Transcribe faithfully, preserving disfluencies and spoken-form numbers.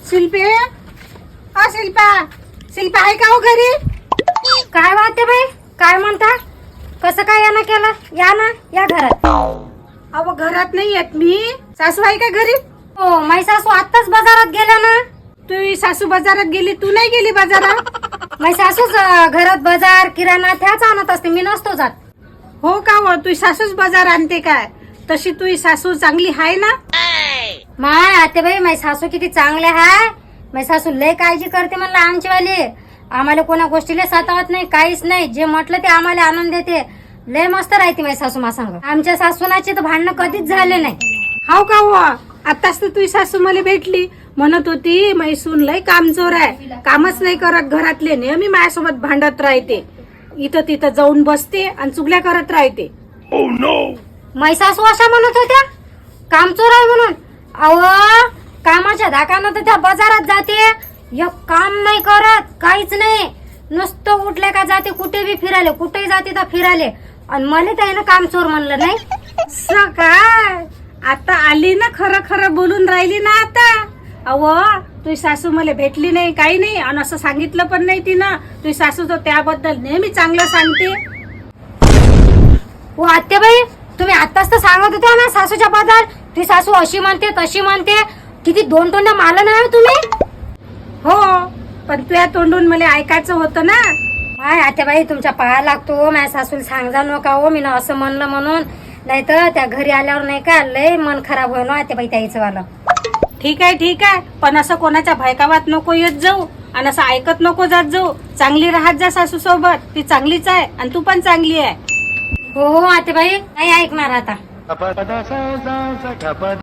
शिल्पे, हा शिल्पा, शिल्पा आहे का हो घरी? काय वाटते बाई, काय म्हणता? कसं काय यानं केलं? या ना, या घरात. अहो घरात नाही येत मी. सासू आहे का घरी? हो, माझी सासू आत्ताच बाजारात गेल्या ना. तू सासू बाजारात गेली, तू नाही गेली बाजारात? माझी सासूच अं, घरात बाजार किराणा त्याच आणत असते, मी नसतो जात. हो का हो, तू सासूच बाजार आणते काय? तशी तू सासू चांगली आहे ना? माय आते बाई, माझी सासू किती चांगले आहे. माझी सासू लय काळजी करते म्हणलं आमची वाली. आम्हाला कोणा गोष्टीला सतावत नाही, काहीच नाही. जे म्हटलं ते आम्हाला आणून देते. लय मस्त राहते माझी सासू मा सांग. आमच्या सासूनाचे तर भांडणं कधीच झाले नाही. हाव का हो? आताच तर तुझी सासू मला भेटली, म्हणत होती मैसून लय कामचोर आहे, कामच नाही करत घरातले, नेहमी माझ्यासोबत भांडत राहते, इथं तिथं जाऊन बसते आणि चुगल्या करत राहते. माझी सासू अशा म्हणत होत्या कामचोर आहे म्हणून. अहो कामाच्या धाकानं तर त्या बाजारात जाते, एक काम नाही करत, काहीच नाही. नुसतं उठले का जाते, कुठे बी फिरायले, कुठेही जाते तर फिरायले. आणि मला त्यानं कामचोर म्हणलं नाही. असं काय? आता आली ना, खरं खरं बोलून राहिली ना आता. अहो तुझी सासू मला भेटली नाही, काही नाही, आणि असं सांगितलं पण नाही तिनं. तुझी सासू तर त्याबद्दल नेहमी चांगलं सांगते. हो आत्याबाई, तुम्ही आताच तर सांगत होत्या ना सासूच्या बद्दल. ती सासू अशी म्हणते तशी म्हणते. किती दोन तोंड मारलं नाही हो तुम्ही. हो, पण तुझ्या तोंडून मला ऐकायचं होतं ना. माय आत्याबाई, तुमच्या पाया लागतो. माझ्या सासूला सांगा नका हो मी ना असं म्हणलं म्हणून. नाही तर त्या घरी आल्यावर नाही का लय मन खराब होईल आत्याबाई त्याचं वाला. ठीक आहे ठीक आहे, पण असं कोणाच्या भयकावात नको येत जाऊ आणि असं ऐकत नको जात जाऊ. चांगली राहत जा सासू सोबत, ती चांगलीच आहे आणि तू पण चांगली आहे. हो हो आत्याबाई, नाही ऐकणार आता.